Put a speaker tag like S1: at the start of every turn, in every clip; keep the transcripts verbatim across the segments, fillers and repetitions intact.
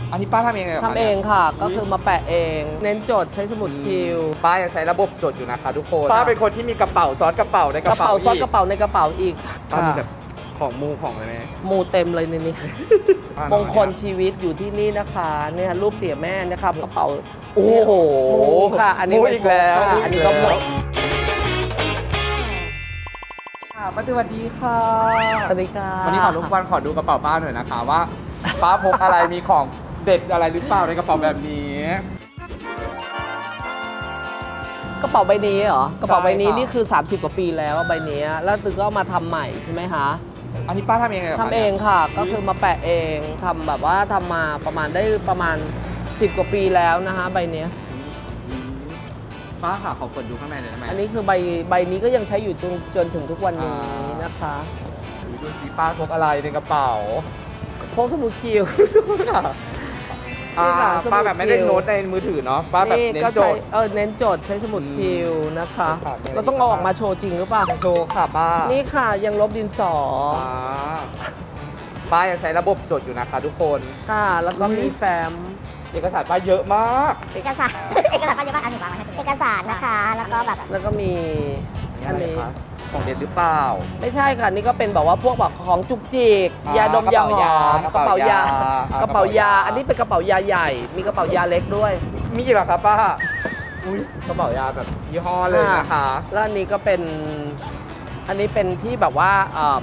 S1: อันนี้ป้าทำเองเลยหรอ
S2: ทำเองค่ะก็คือมาแปะเอง เน้นจดใช้สมุดคิว
S1: ป้ายังใช้ระบบจดอยู่นะคะทุกคนป้าเป็นคนที่มีกระเป๋าซ้อนกระเป๋าในก
S2: ก
S1: ระ
S2: ระ
S1: เป๋า
S2: เป๋าซ้อน
S1: อี
S2: กระเป๋าในกระเป๋าอีก
S1: ป้ามี
S2: ค่ะ
S1: แบบของมูของอะไรไหม
S2: มูเต็มเลยในนี้
S1: ป้านอน
S2: มงคลชีวิตอยู่ที่นี่นะคะเนี่ยรูปเตี่ยแม่นะครับกระเป๋า
S1: โอ้โห
S2: มูค่ะ อันนี้
S1: มู
S2: ไว้
S1: อีกแล้ว
S2: ค่ะอันนี้ก็มู
S1: ค่ะป้าสวัสดีค่ะ
S2: สวัสดีค่ะ
S1: วันนี้ขอรบกวนขอดูกระเป๋าป้าหน่อยนะคะว่าป้าพกอะไรมีของเด็ดอะไรหรือเปล่าในกระเป๋าแบบนี้
S2: กระเป๋าใบนี้เหรอ กระเป๋าใบนี้
S1: ใช่ค่ะ
S2: นี่คือ สามสิบ กว่าปีแล้วใบนี้แล้วตึกก็เอามาทำใหม่ใช่ไหมคะ
S1: อันนี้ป้าทำเองเลยหรอ
S2: ทำเองค่ะ ก็คือมาแปะเองทำแบบว่าทำมาประมาณได้ประมาณ สิบ กว่าปีแล้วนะคะใบเนี้ย
S1: ป้าค่ะขอเปิดดูข้างในหน่อยได้ไหม
S2: อันนี้คือใบใบนี้ก็ยังใช้อยู่จนจนถึงทุกวันนี้นะคะ
S1: ดูสิป้าพกอะไรในกระเป๋า
S2: พกสมุดคิว
S1: อ่า
S2: นี่ค่ะสมุด
S1: ป้าแบบไม่ได้
S2: คิว
S1: โน้ตในมือถือเนาะป้าแบบ
S2: นี่
S1: เน้
S2: ก็
S1: นโจ
S2: ใช้
S1: ทย์
S2: เออเน้นโจทย์ใช้สมุดคิวนะคะ
S1: ครับมีอะไร
S2: เราต้องเอาออกมาโชว์จริงหรือเปล่า
S1: โชว์ค่ะป้า
S2: นี่ค่ะยังลบดินสอ
S1: อ่าป้ายังใช้ระบบจดอยู่นะคะทุกคน
S2: ค่ะ แล้วก็มีแฟ้ม
S1: เอกสารป้าเยอะมาก
S3: เอกสาร เอกสารก็เยอะมากอันหนึ่งวางไว้ให้เอกสารนะคะ แล้วก็แบบ
S2: แล้วก็มีอันนี้
S1: ะไรคะของเด็ดหรือเปล่า
S2: ไม่ใช่ค่ะนี่ก็เป็นแบบว่าพวกแบบของจุกจิก
S1: อ่าย
S2: าดมยาหอม
S1: ก
S2: ก
S1: ระ
S2: ระ
S1: เป๋า
S2: เป๋าย
S1: า
S2: ยา
S1: อ่าก
S2: ระเป๋ายา
S1: กระเป๋ายา
S2: อันนี้เป็นกระเป๋ายาใหญ่ มีกระเป๋ายาเล็กด้วย
S1: มีอีกเหรอครับป้าอุ้ยกระเป๋ายาแบบยี่ห้อเลยนะคะ
S2: แล้วอันนี้ก็เป็นอันนี้เป็นที่แบบว่าเอ่อ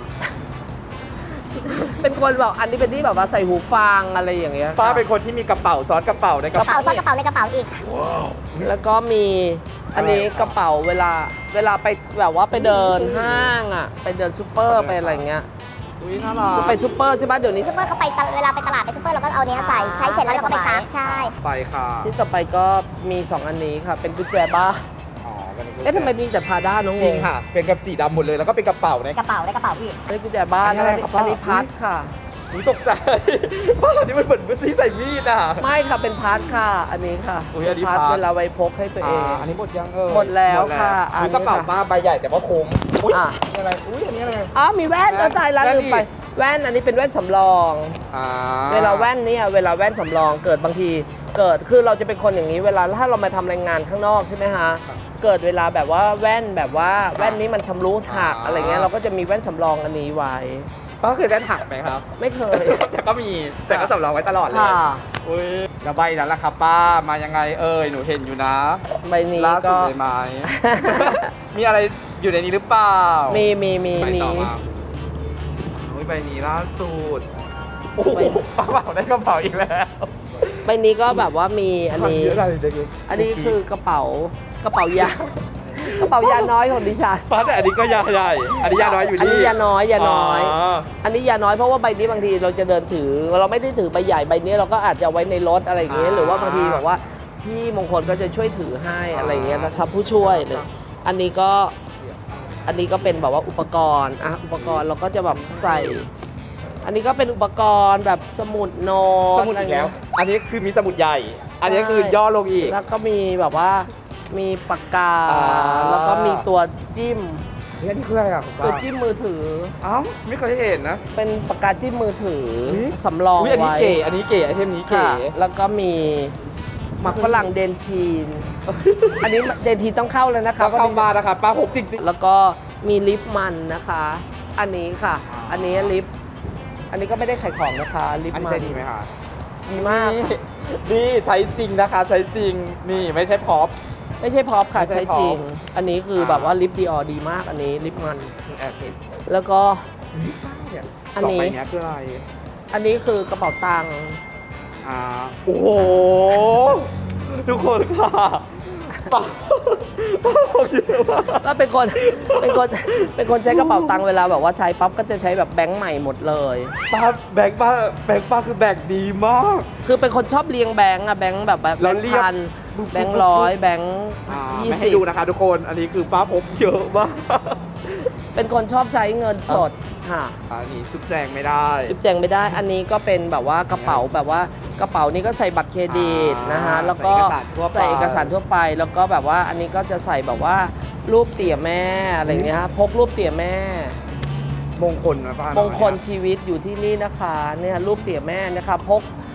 S2: เป็นคนแบบอันนี้เป็นที่แบบว่าใส่หูฟังอะไรอย่างเงี้ยค่ะ
S1: ป้าเป็นคนที่มีกระเป๋าซ้อนกระเป๋าในก
S3: ก
S1: ระ
S3: ระ
S1: เป๋า
S3: เป๋าซ่อนกระเป๋าในกระเป๋าอีก
S2: แล้วก็มีอันนี้กระเป๋าเวลาเวลาไปแบบว่าไปเดินห้างอ่ะไปเดินซูเปอร์ไปอะไรเงี้ย
S1: อุ้ยน่ารัก
S2: คือไปซูเปอร์ใช่ปะเดี๋ยวนี้
S3: ซุปเปอร์เขาไปตลเวลาไปตลาดไปซุปเปอร์เราก็เอาเนี้ยใส่ใช้เสร็จแล้วเราก็ไปซักใช่
S1: ไปค่ะ
S2: ชิ้นต่อไปก็มีสองอันนี้ค่ะ เป็นกุญแจบ้าน
S1: อ๋อวันนี้
S2: เอ๊ะทำไมมีแต่พาด้าน้อง
S1: จ
S2: ง
S1: ริง
S2: ง
S1: ค่ะ เป็นกับสีดำหมดเลยแล้วก็เป็นกระเป๋าใน
S3: กระเป๋าในกระเป๋าอีก
S2: อันนี้กุญแจบ้าน
S1: อันนี้
S2: แล้ว
S1: อะไร
S2: อันนี้
S1: ครับป้า
S2: อันนี้พัดค่ะ
S1: อุ้ยตกใจ ป้าอันนี้มันเหมือนซีใส่มีดอ่ะ
S2: ไม่ค่ะเป็นพัดค่ะ อันนี้ค่ะ
S1: อุ๊ย
S2: เป็
S1: อัน
S2: น
S1: นี้
S2: พัด
S1: พัด
S2: เวลาไว้พกให้ตัวเอง
S1: อ่าอันนี้หมดยังเออ
S2: หมดแล้วค่ะอันนี้
S1: กระเป๋า
S2: ค่ะ
S1: ป้าใบใหญ่แต่ว่าโค้งอุ้ย
S2: อ่ะ
S1: นี่อะไรอุ้ยอันนี้อะไร
S2: อ๋อมีแว่น
S1: แว่น
S2: เออตายแล้ว
S1: แว่น
S2: ลืมไป
S1: อีก
S2: แว่นอันนี้เป็นแว่นสำรอง
S1: อ่า
S2: เวลาแว่นเนี่ยเวลาแว่นสำรองเกิดบางทีเกิดคือเราจะเป็นคนอย่างนี้เวลาถ้าเรามาทำรายงานข้างนอกใช่ไหมฮะเกิดเวลาแบบว่าแว่นแบบว่าแว่นนี้มันชำรุดหักอะไรเงี้ยเราก็จะมีแว่นสำรองอันนี้ไว้
S1: ป้าเคยแว่นหักไหมครับ
S2: ไม่เคย
S1: แต่ก็มีแต่ก็สำรองไว้ตลอดเลย
S2: ค่ะ
S1: อุ้ยแล้วใบนั้นล่ะครับป้ามายังไงเอ่ยหนูเห็นอยู่นะ
S2: ใบนี้
S1: ล่าสุ
S2: ก็
S1: ดเลยไหม มีอะไรอยู่ในนี้หรือเปล่า
S2: มีมีมี
S1: ไปต่อ
S2: นี้
S1: มาอุ้ยใบนี้ล่าสุดโอ้โห
S2: ใบ
S1: ป้าเป๋าได้กระเป๋าอีกแล้ว
S2: ใบนี้ก็แบบว่ามีอันนี้
S1: เยอะอะไรเด็ก
S2: อันนี้คือกระเป๋ากระเป๋ายา กระเป๋ายาน้อยของดิฉัน
S1: ป้าแต่อันนี้ก็ยาใหญ่อันนี้ยาน้อยอยู่
S2: อันนี้
S1: นี่
S2: ยาน้อยยาน้อย
S1: อ๋อ
S2: อันนี้ยาน้อยเพราะว่าใบนี้บางทีเราจะเดินถือ เราไม่ได้ถือใบใหญ่ใบนี้เราก็อาจจะไว้ในรถอะไรอย่างเงี้ยหรือว่าบางทีแบบว่าพี่มงคลก็จะช่วยถือให้อะไรอย่างเงี้ยนะครับ ผู้ช่วยเลยอันนี้ก็อันนี้ก็เป็นแบบว่าอุปกรณ์อ่ะอุปกรณ์เราก็จะแบบใส่ อันนี้ก็เป็นอุปกรณ์แบบสมุดโน้
S1: ส
S2: ต
S1: มุด
S2: อะไร
S1: อีกแล้
S2: เงี้
S1: วย อันนี้คือมีสมุดใหญ่ อันนี้คือย่อลงอีก
S2: แล้วก็มีแบบว่ามีปากกา
S1: อ่า
S2: แล้วก็มีตัวจิ้ม
S1: เฮ้ยอันนี้คืออะไรอ่ะคุณ
S2: ตัว
S1: ป้า
S2: จิ้มมือถือ
S1: เอ้าไม่เคยเห็นนะ
S2: เป็นปากกาจิ้มมือถือ
S1: อุ๊ย
S2: สำรอง
S1: อุ้ยอันนี้
S2: ไว้
S1: เก๋ อันนี้เก๋ไอเทมนี้เก๋
S2: ค่ะแล้วก็มีหมักฝรั่งเดนทีน อันนี้เดนทีนต้องเข้าแล้วนะคะ
S1: เข้ามานะครับป้าพกจริง
S2: แล้วก็มีลิปมันนะคะ อันนี้ค่ะ อันนี้ลิป อันนี้ก็ไม่ได้ขายของนะคะลิป
S1: ๆ อันนี้
S2: มัน
S1: ใช้ดีไหมคะ
S2: ดีมาก
S1: นี่นี่ใช้จริงนะคะ ใช้จริง นี่ไม่ใช่พร็อพ
S2: ไม่ใช่พร็อพค่ะ
S1: ไม่ใช่
S2: ใช้จริง
S1: พร็อพ
S2: อันนี้คือ
S1: อ่า
S2: แบบว่าลิปดีออดีมาก อันนี้ลิปมัน
S1: แอบเห็น
S2: แล้วก็
S1: เนี่ย
S2: อันนี้
S1: สงใบเนี้ยคืออะไร
S2: อันนี้คือกระเป๋าตังค์
S1: อ่า โอ้โห ทุกคนค่ะป้าป้าบอกเยอะมาก
S2: แล้วเป็นคน เป็นคน เป็นคนใช้กระเป๋าตังค์เวลาแบบว่าใช้ปั๊บก็จะใช้แบบแบงค์ใหม่หมดเลย
S1: ป้าแบงค์ป้าแบงค์ป้าคือแบงค์ดีมาก
S2: คือเป็นคนชอบเรียงแบงค์อะแบงค์แบบแบบแบ
S1: แล้ว
S2: งค์
S1: เรียบ
S2: พัน
S1: ปุ๊บ
S2: แบงค์ร้อยแบงค์
S1: อ่า
S2: ยี่
S1: ไม่
S2: สิ
S1: ให้
S2: บ
S1: ดูนะคะทุกคน อันนี้คือป้าพกเยอะมาก
S2: เป็นคนชอบใช้เงินสดค่ะ
S1: อันนี้จุดแจงไม่ได้
S2: จิบแจงไม่ได้ อันนี้ก็เป็นแบบว่ากระเป๋าแบบว่ากระเป๋านี้ก็ใส่บัตรเครดิต
S1: อ่าน
S2: นะคะแล้วก็
S1: ใส่เอกสารทั่วไป
S2: ใส่เอกสารทั่วไป แล้วก็แบบว่าอันนี้ก็จะใส่แบบว่ารูปเตี่ยแม่อะไรอย่างเงี้ยฮะพกรูปเตี่ยแม่
S1: มงคลนะป้าม
S2: งคลชีวิตอยู่ที่นี่นะคะเนี่ยรูปเตี่ยแม่นะคะพก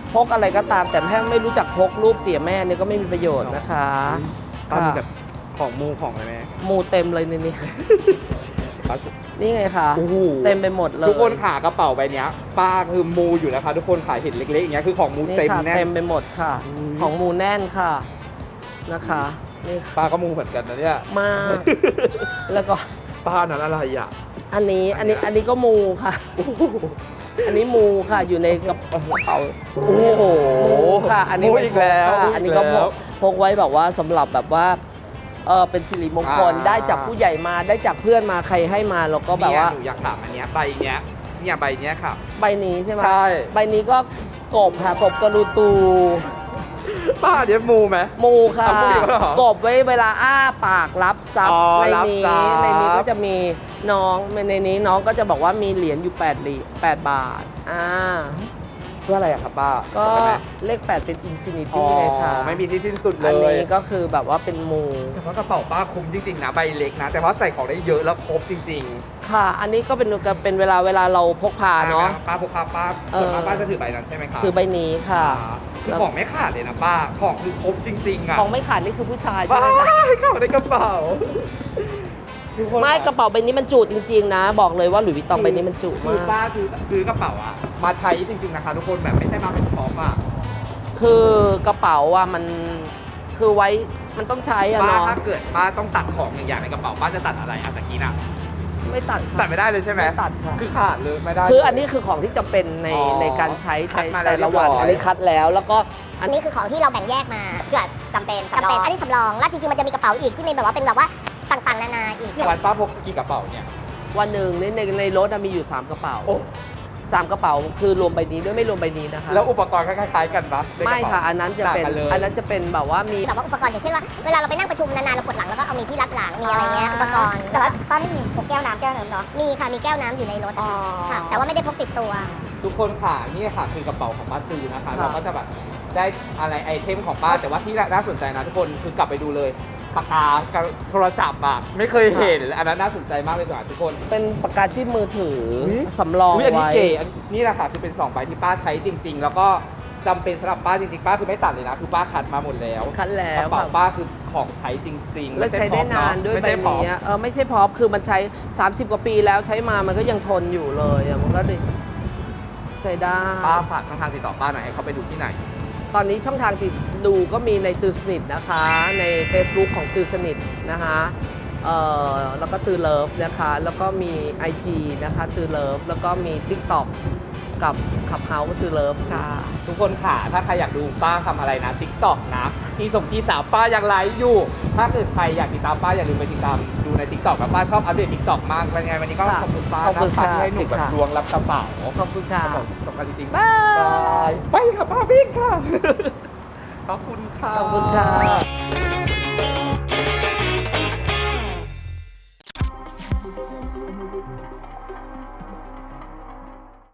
S2: พกอะไรก็ตามแต่แม่ไม่รู้จักพกรูปเตี่ยแม่เนี่ยก็ไม่มีประโยชน์นะคะ
S1: ป้ามี
S2: ค่ะ
S1: แบบของมูของอะไรไหม
S2: มูเต็มเลยในนี้
S1: ป้า
S2: นี่ไงคะ
S1: โอ้โห
S2: เต็มไปหมดเลย
S1: ทุกคนขากระเป๋าใบเนี้ยป้าคือมูอยู่นะคะทุกคนขายเห็นเล็กๆอย่างเงี้ยคือของมู
S2: นี่
S1: เต็ม
S2: ค่ะ
S1: แน่
S2: เต็มไปหมดค่ะ
S1: อืม
S2: ของมูแน่นค่ะนะคะนี่ค่ะ
S1: ป้าก็มูเหมือนกันนะเนี่ย
S2: มาก แล้วก็
S1: ป้านั้นอะไรอ่ะ
S2: อันนี้อันนี้อันนี้ก็มูค่ะ อันนี้มูค่ะอยู่ในกระเป๋า
S1: โอ้โห
S2: มูค่ะ อันนี้
S1: มู
S2: ไว้
S1: อีกแล้ว
S2: พค่ะ
S1: มูอีก
S2: อันนี้ก็พ
S1: แล้
S2: ก
S1: ว
S2: พกไว้แบบว่าสำหรับแบบว่าเออเป็นสิริมงคล
S1: อ่า
S2: ได้จากผู้ใหญ่มาได้จากเพื่อนมาใครให้มาเราก็แบบว่า
S1: เนี่ยหนูอยากถามอันเนี้ยใบเนี้ยเนี่ยใบเนี้ยค่ะ
S2: ใบนี้ใช่ไหม
S1: ใช่
S2: ใบนี้ก็กบค่ะกบกระดูตู
S1: ป้าเนี้ยมูไหม
S2: มูค่ะ
S1: อ่ะมูอีกแล้วเหรอก
S2: บไว้เวลาอ้าปากรับทรัพ
S1: อ๋
S2: ย์
S1: อ
S2: ใน
S1: รับ
S2: นี้
S1: ทรัพย์
S2: ในนี้ก็จะมีน้องในนี้น้องก็จะบอกว่ามีเหรียญอยู่8เหรียญ8บาทอ่า
S1: เพื่ออะไรอะครับป้า
S2: ก็
S1: จำได้ไหม
S2: เลข แปด เป็นอินฟินิ
S1: อ๋
S2: ตี้
S1: อ
S2: เลยค่ะ
S1: ไม่มีที่สิ้นสุดเล
S2: อัน
S1: ย
S2: นี้ก็คือแบบว่าเป็นมู
S1: แต่ว่ากระเป๋าป้าคุ้มจริงๆนะใบเล็กนะ แต่ว่าใส่ของได้เยอะแล้วครบจริง
S2: ค่ะ อันนี้ก็เป็นเป็นเวลาเวลาเราพกพา
S1: ๆ
S2: เนาะ
S1: ป้าพกพาป้า
S2: เออ
S1: ส่วนมากป้าจะถือใบนั้นใช่ไหมคะ
S2: ถือใบนี้ค่ะ
S1: อ่าคือของไม่ขาดเลยนะป้าของคือครบจริงๆอะ
S2: ของไม่ขาดนี่คือผู้ชายใช่
S1: ว้า
S2: ไหมคะ
S1: ยเข้าในกระเป๋าทุคน
S2: ไม่กระเป๋าใบนี้มันจุจริงๆนะ บอกเลยว่าหลุยส์วิตตองใบนี้มันจุ
S1: คือ
S2: มาก
S1: ป้าซื้อซื้อกระเป๋าอะมาใช้จริงๆนะคะทุกคนแบบไม่ใช่มาเป็นพร้อมอะ
S2: คือกระเป๋าอ่ะมันคือไว้มันต้องใช้อะ
S1: ป้า
S2: เนาะ
S1: ถ้าเกิดป้าต้องตัดของอย่างอย่างในกระเป๋าป้าจะตัดอะไรอะตะกี้น่ะ
S2: ไม่ตัด
S1: ตั
S2: ค่ะ
S1: ดไม่ได้เลยใช่ไหม
S2: ไม่ตัดค่ะ
S1: คือขาดเลยไม่ได้
S2: คืออันนี้คือของที่จำเป็นใน
S1: อ๋อ
S2: ในการใช้
S1: คัดมาแล้ว
S2: แต่ละวัน
S1: เรียบร้อย
S2: อันนี้คัดแล้วแล้วก็อั
S3: อั
S2: น
S3: น
S2: นี้
S3: นี้คือของที่เราแบ่งแยกมาเพื่อจำเป็นจำเป็นอันนี้สำรองแล้วจริงๆมันจะมีกระเป๋าอีกที่มีแบบว่าเป็นแบบว่าต่างๆนานาอีก
S1: วันป้าพกกี่กระเป๋าเนี่ย
S2: วันหนึ่งในในในรถอะมีอยู่ สาม กระเป๋า
S1: โอ้
S2: สามกระเป๋าคือรวมใบนี้ด้วยไม่รวมใบนี้นะคะ
S1: แล้วอุปกรณ์คล้ายๆกันปะในกร
S2: ไม่
S1: เป๋า
S2: ค่ะ อันนั้นจะเป็น
S1: ต่างกัลย
S2: อันนั้นจะเป็นแบบว่ามี
S3: แบบว่าอุปกรณ์อย่างเช่นว่าเวลาเราไปนั่งประชุมนานๆเราปวดหลังแล้วก็เอามีที่รับหลังมีอะไรเงี้ยอุปกรณ์แต่ว่าป้าไม่มีพกแก้วน้ำแก้วน้ำเนาะมีค่ะมีแก้วน้ำอยู่ในรถค่ะแต่ว่าไม่ได้พกติดตัว
S1: ทุกคนค่ะนี่ค่ะคือกระเป๋าของป้าตือนะคะ
S2: ครับ
S1: เราก็จะแบบได้อะไรไอเทมของป้าแต่ว่าที่น่าสนใจนะทุกคนคือกลับไปดูเลยปากกากับโทรศัพท์อะไม่เคยเห็นอันนั้นน่าสนใจมากเลยค่ะทุกคน
S2: เป็นปากกาจิ้มมือถือ
S1: อุ๊ย
S2: สำรอง
S1: อุ๊ยอันนี้
S2: ไว้
S1: เก๋อันนี่แหละค่ะคือเป็นสองใบที่ป้าใช้จริง ๆ แล้วก็จำเป็นสำหรับป้าจริงๆป้าคือไม่ตัดเลยนะคือป้าคัดมาหมดแล้ว
S2: คัดแล้
S1: ก
S2: ว
S1: ระเป๋า
S2: ค่ะ
S1: ป้าคือของใช้จริงๆ
S2: แล้วใช้ได้นานด้วย
S1: ไม่
S2: ใบ
S1: ใช่ของ
S2: นี้อะเออไม่ใช่พร็อพคือมันใช้ สามสิบ กว่าปีแล้วใช้มามันก็ยังทนอยู่เลยอะมันก็ดีใช้ได้
S1: ป้าฝากช่องทางติดต่อป้าหน่อยให้เขาไปดูที่ไหน
S2: ตอนนี้ช่องทางติดดูก็มีในตือสนิทนะคะ ใน Facebook ของตือสนิทนะคะเอ่อแล้วก็ตือเลิฟนะคะ แล้วก็มี ไอ จี นะคะตือเลิฟแล้วก็มี TikTok กับขับเฮาส์ก็ตือเลิฟค่ะ
S1: ทุกคนค่ะ ถ้าใครอยากดูป้าทำอะไรนะ ติ๊กต็อกนะที่ส่งที่สาวป้ายังไลฟ์อยู่ ถ้าเกิดใครอยากติดตามป้าอย่าลืมไปติดตามดูในติ๊กต็อกนะป้าชอบอัปเดตติ๊กต็อกมากเป็นไงวันนี้ก็
S2: ค่ะ
S1: ขอบคุณป้า
S2: ขอบคุณ
S1: นะ
S2: ค่ะ
S1: ที่ให้หนูแบบ
S2: ค่ะ
S1: ดวงรับกระเป๋า
S2: ขอบคุณค่ะ
S1: สำคัญจริงๆ
S2: บ๊าย
S1: บายไปค่ะป้าวิ่งค่ะ ขอบคุณค่ะ
S2: ขอบคุณค่ะ